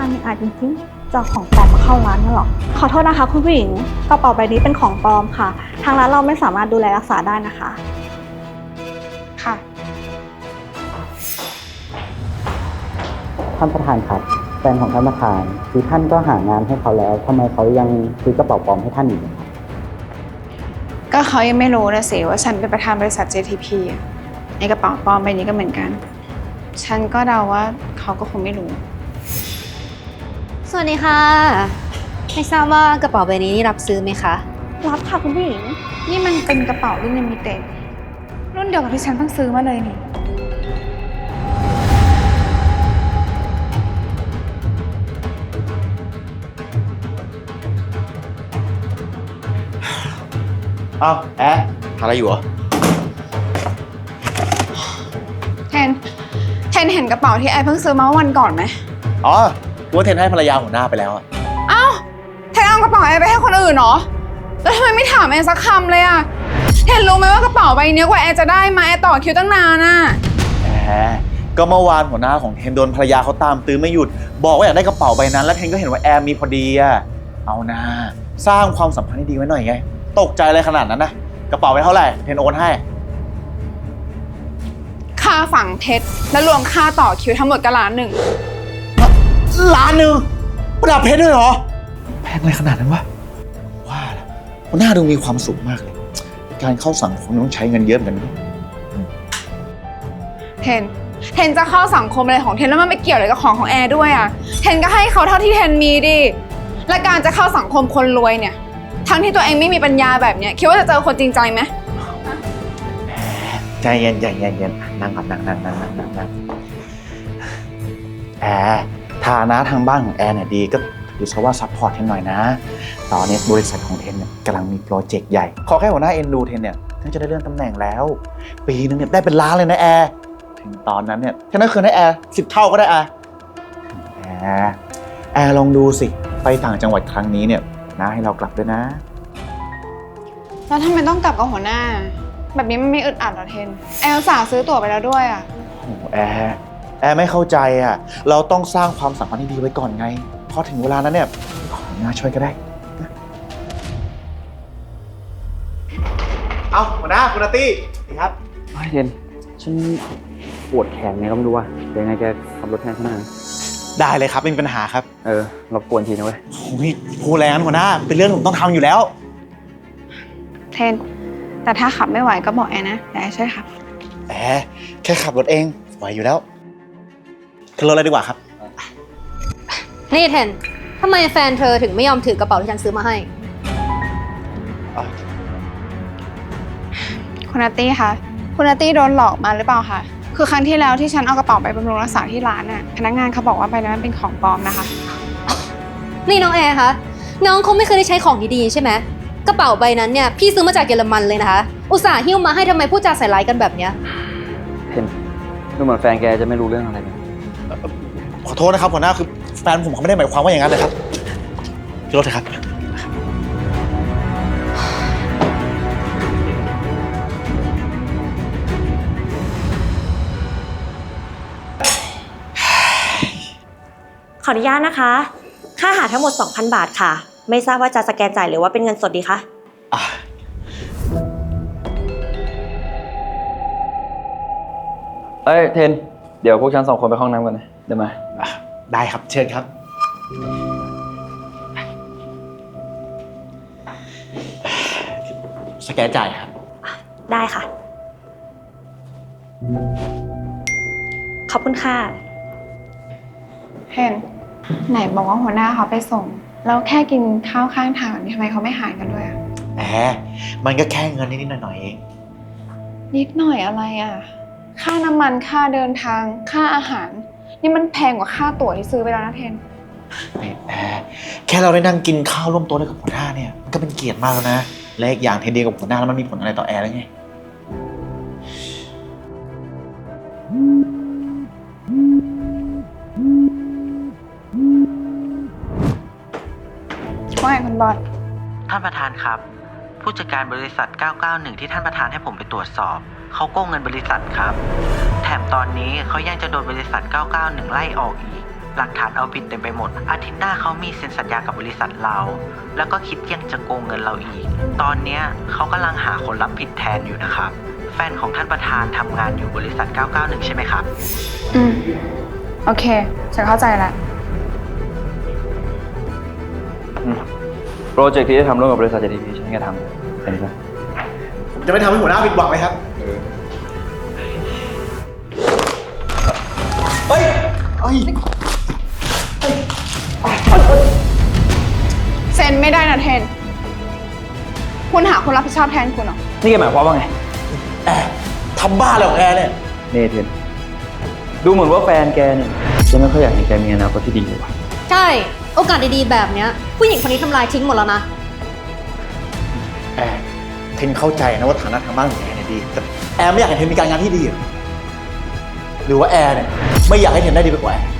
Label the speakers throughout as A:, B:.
A: ไม่อาจจริงๆจะเอาของปลอมมาเข้าร้านนั่นหรอขอโทษนะคะคุณผู้หญิงกระเป๋าใบนี้เป็นของปลอมค่ะทางร้านเราไม่สามารถดูแลรักษาได้นะคะ
B: ค่ะ
C: ท่านประธานครับแฟนของท่านประธานคือท่านก็หางานให้เขาแล้วทำไมเขายังซื้อกระเป๋าปลอมให้ท่านอยู่ครับ
B: ก็เขายังไม่รู้นะสิว่าฉันเป็นประธานบริษัท JTP อะในกระเป๋าปลอมใบนี้ก็เหมือนกัน ฉันก็เดาว่าเขาก็คงไม่รู้
D: สวัสดีค่ะไม่ทราบว่ากระเป๋าใบนี้รับซื้อไหมคะ
A: รับค่ะคุณผู้หญิง
B: นี่มันเป็นกระเป๋ารุ่นลิมิเต็ดรุ่นเดียวกับที่ฉันเพิ่งซื้อมาเลยนี่
E: อ้าวแอะทำอะไรอยู่เหรอ
B: เทนเห็นกระเป๋าที่ไอเพิ่งซื้อมาเมื่อวันก่อนไหม
E: อ๋อกูว่าเทนให้ภรรยาหัวหน้าไปแล้วอะ
B: เอ้าเทนเอากระเป๋าไอไปให้คนอื่นเหรอแล้วทำไมไม่ถามไอสักคำเลยอะเทนรู้ไหมว่ากระเป๋าใบนี้กว่าไอจะได้มาไอต่อคิวตั้งนานอะ
E: แหมก็เมื่อวานหัวหน้าของเทนโดนภรรยาเขาตามตื้อไม่หยุด บอกว่าอยากได้กระเป๋าใบนั้น แล้วเทนก็เห็นว่าแอมมีพอดีอะเอานะสร้างความสัมพันธ์ที่ดีไว้หน่อยไง ตกใจอะไรขนาดนั้นนะกระเป๋าไปเท่าไหร่เทนโอนให้
B: ค่าฝังเพชรและรวมค่าต่อคิวทั้งหมดก็1,000,000
E: ล้านหนึ่งประดับเพชรด้วยเหรอแพงอะไรขนาดนั้นวะว่าแล้วหัวหน้าดูมีความสุขมากเลยการเข้าสังคมต้องใช้เงินเยอะเหมือนกันนะ
B: เทนจะเข้าสังคมอะไรของเทนแล้วมันไม่เกี่ยวอะไรกับของแอร์ด้วยอะเทนก็ให้เขาเท่าที่เทนมีดิและการจะเข้าสังคมคนรวยเนี่ยทั้งที่ตัวเองไม่มีปัญญาแบบเนี้ยคิดว่าจะเจอคนจริงใจไหม
E: ใจเย็นนั่งก่อนนั่งแอร์ฐานะทางบ้านของแอร์เนี่ยดีก็ถือซะว่าซัพพอร์ตเทนหน่อยนะตอนนี้บริษัทของเทนเนี่ยกำลังมีโปรเจกต์ใหญ่ขอแค่หัวหน้าเอ็นดูเทนเนี่ยเทนจะได้เลื่อนตำแหน่งแล้วปีนึงเนี่ยได้เป็นล้านเลยนะแอร์ถึงตอนนั้นเนี่ยเทนได้คืนให้แอร์10 เท่าก็ได้แอร์ลองดูสิไปต่างจังหวัดครั้งนี้เนี่ยน้าให้เรากลับด้วยนะ
B: แล้วทำไมต้องกลับกับหัวหน้าแบบนี้มันไม่อึดอัดหรอเทนแอลสาซื้อตั๋วไปแล้วด้วยอะ
E: โอ้แอร์ไม่เข้าใจอ่ะเราต้องสร้างความสัมพันธ์ที่ดีไว้ก่อนไงพอถึงเวลานั้นเนี่ยขอหัวหน้าช่วยก็ได้นะเอาหัวหน้าคุณอาร์ตี้ครับ
C: เย็นฉันปวดแขนไงก็ไม่รู้ว่าเดี๋ยวยังไงแกขับรถแทนฉันหน่อยนะ
E: ได้เลยครับไม่มีปัญหาครับ
C: รบกวนทีนะเว้ย
E: โอ้ยพูดแรงนั้นหัวหน้าเป็นเรื่องผมต้องทำอยู่แล้ว
B: เทนแต่ถ้าขับไม่ไหวก็บอกแอร์นะเดี๋ยวแอร์ช่วยขับ
E: แค่ขับรถเองไหวอยู่แล้วขึ้นรถเลยดีกว่าครับ
D: นี่เทนทำไมแฟนเธอถึงไม่ยอมถือกระเป๋าที่ฉันซื้อมาให้
B: คุณอาร์ตี้คะคุณอาร์ตี้โดนหลอกมาหรือเปล่าคะคือครั้งที่แล้วที่ฉันเอากระเป๋าไปบำรุงรักษาที่ร้านน่ะพนักงานเขาบอกว่าใบนั้นมันเป็นของปลอมนะคะ
D: นี่น้องแอร์คะน้องคงไม่เคยได้ใช้ของดีๆใช่ไหมกระเป๋าใบนั้นเนี่ยพี่ซื้อมาจากเยอรมันเลยนะคะอุตส่าห์หิ้วมาให้ทำไมพูดจาใส่ร้ายกันแบบเนี้ย
C: เห็นดูเหมือนแฟนแกจะไม่รู้เรื่องอะไรเลย
E: ขอโทษนะครับหัวหน้าคือแฟนผมเขาไม่ได้หมายความว่าอย่างนั้นเลยครับขึ้นรถเถอะครับ
F: ขออนุญาตนะคะ ค่าอาหารทั้งหมด 2,000 บาทค่ะ ไม่ทราบว่าจะสแกนจ่ายหรือว่าเป็นเงินสดดีคะ
C: เทนเดี๋ยวพวกฉัน2 คนไปห้องน้ำกันนะเดี๋ยวมา
E: ได้ครับเชิญครับสแกนจ่ายครับ
F: ได้ค่ะ ขอบคุณค่ะ
B: เทนไหนบอกว่าหัวหน้าเขาไปส่งแล้วแค่กินข้าวข้างทางแบบนี้ทำไมเขาไม่หารกันด้วยอะ
E: มันก็แค่เงินนิดๆหน่อยๆเอง
B: นิดหน่อยอะไรอะค่าน้ำมันค่าเดินทางค่าอาหารนี่มันแพงกว่าค่าตั๋วที่ซื้อไปแล้วนะเทน
E: แค่เราได้นั่งกินข้าวร่วมโต๊ะด้วยกับหัวหน้าเนี่ยมันก็เป็นเกียรติมากแล้วนะและอีกอย่างเทนเดียกับหัวหน้าแล้วมันมีผลอะไรต่อแอร์แล้วไง
B: ว่าไงคุณบอล
G: ท่านประธานครับ ผู้จัดการบริษัท 991 ที่ท่านประธานให้ผมไปตรวจสอบเขาโกงเงินบริษัทครับแถมตอนนี้เขายังจะโดนบริษัท 991 ไล่ออกอีกหลักฐานเอาผิดเต็มไปหมด อาทิตย์หน้าเขามีเซ็นสัญญากับบริษัทเรา แล้วก็คิดยังจะโกงเงินเราอีก ตอนเนี้ยเขากำลังหาคนรับผิดแทนอยู่นะครับ แฟนของท่านประธานทำงานอยู่บริษัท 991 ใช่ไหมครับ
B: โอเค ฉันเข้าใจแล้ว
H: โปรเจกต์ที่ได้ทำร่วมกับบริษัท JTP ฉันก็ทำเป็นไง
E: ผมจะไม่ทำให้หัวหน้าผิดหวังไหมครับ เฮ้ย
B: เซ็นไม่ได้นะเทน คุณหาคนรับผิดชอบแทนคุณเหรอ
H: นี่แกหมายความว่าไง
E: แอร์ทำบ้าอะไรของแอร์เนี่ย
H: เนเธนดูเหมือนว่าแฟนแกเนี่ยจะไม่ค่อยอยากเห็นแกมีอนาคตที่ดีเลยว่ะ
D: ใช่ โอกาสดีๆแบบเนี้ยผู้หญิงคนนี้ทำลายทิ้งหมดแล้วนะ
E: แอร์เทนเข้าใจนะว่าฐานะทางบ้านของแอร์เนี่ยดี แต่แอร์ไม่อยากให้เทนมีการงานที่ดีหรอหรือว่าแอร์เนี่ยไม่อยากให้เทนได้ดีไปกว่าแอร์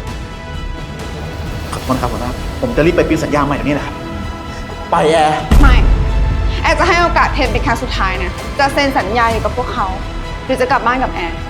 E: ขอโทษนะครับหัวหน้าผมจะรีบไปปริ้นสัญญาใหม่เดี๋ยวนี้แหละครับ ไปแอร์
B: ไม่ แอร์จะให้โอกาสเทนเป็นครั้งสุดท้ายนะ จะเซ็นสัญญาอยู่กับพวกเขา หรือจะกลับบ้านกับแอร์